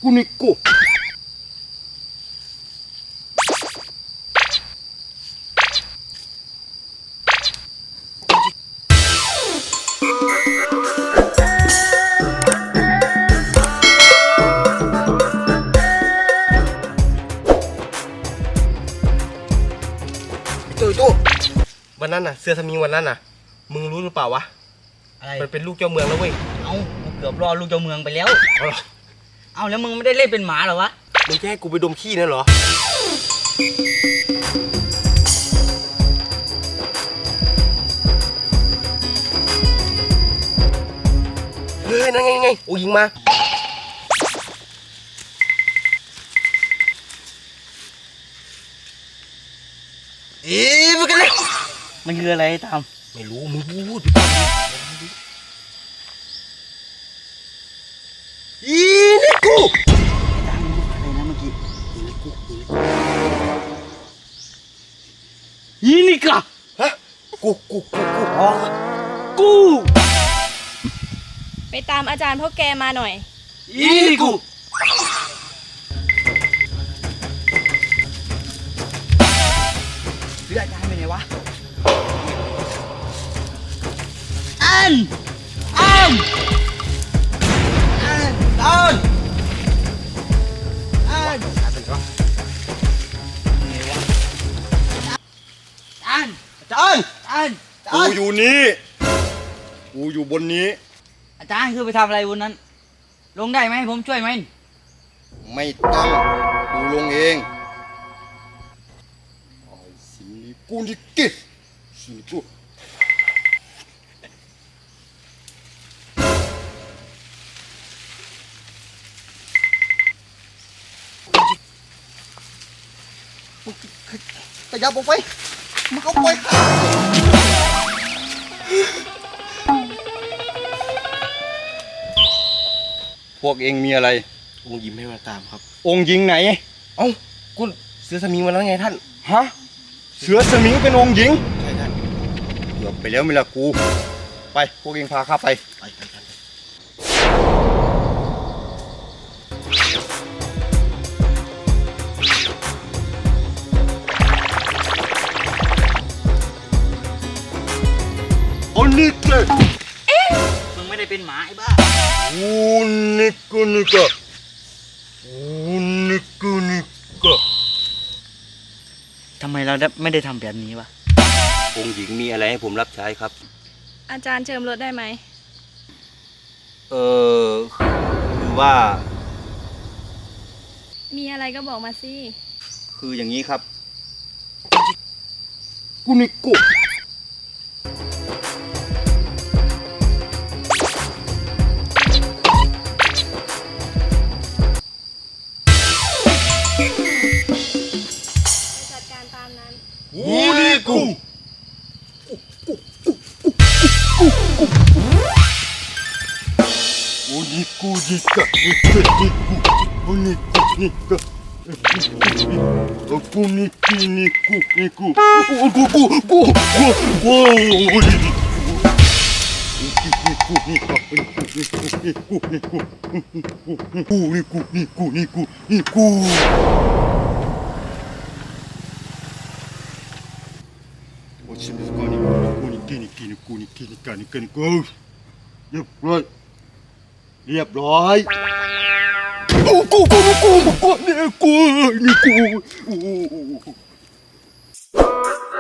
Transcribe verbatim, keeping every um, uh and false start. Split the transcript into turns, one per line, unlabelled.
กูนี่กูตู้ตู้วันนั้นน่ะเสื้อสมิงวันนั้นน่ะมึงรู้หรือเปล่าวะอะไรมันเป็นลูกเจ้าเมืองแล้วเว้ย
เอ้าเกือบรอลูกเจ้าเมืองไปแล้ว
เอาหรอ
เอ้าแล้วมึงไม่ได้เล่นเป็นหมาเหรอวะ
มึงจะให้กูไปดมขี้นั่นเหรอเฮ้ยนั่นไงไงโอ้ยิงมาอีมึงกันเลย
มันคืออะไรทำ
ไม่รู้มึงพูดอีนี่กู
ตามมึงอะไรนะเมื่อกี้
อีนี่กู
อีนี่กะ
ฮะกูกูกูกูอ๋อ
กู
ไปตามอาจารย์พ่อแกมาหน่อย
อีนี่กูเรืออาจารย์ไปไหนวะอันอันอันอันอันอัน
อาจารย์
อัน
กูอยู่นี่กูอยู่บนนี้
อาจารย์คือไปทำอะไรบนนั้นลงได้ไหมผมช่วยไหม
ไม่ต้องกูลงเองไอ้สินี่กูนี่กิสินี่กูขยับออกไปมึงเอาไปพวกเองมีอะไรองค์ยิ้มให้มาตามครับองค์ยิงไหนเอ้ากูเสือสมิงมาแล้วไงท่านฮะเสือสมิงเป็นองค์หญิงใช่ท่านเกือบไปแล้วไม่ละกูไปพวกเองพาข้าไปไปไปท่านโอ้นี่เก
มึงไม่ได้เป็นหมาไอ้บ้า
โอ้นี่กูนี่กะโอ้นี่กูนี่กะ
ทำไมเราไม่ได้ทำแบบนี้วะ
องค์หญิงมีอะไรให้ผมรับใช้ครับ
อาจารย์เจิมรถได้ไหม
เออคือว่า
มีอะไรก็บอกมาสิ
คืออย่างนี้ครับกูนี่กู
จัดการตามนั้น
กูนี่กูกูนี่กูนี่กะนี่กูนี่กูกูนี่กูนี่กะกูนี่กูนี่กูนี่กูกูกูกูกูกูกูนี่กูนี่กะกูนี่กูนี่กูนี่กูกูนี่กูนี่กูนี่กูนี่กูお静かにここにกินกินกูนี่กินกันกินกูเรียบร้อยเรียบร้อยกูกูกูกูกูนี่กูนี่กู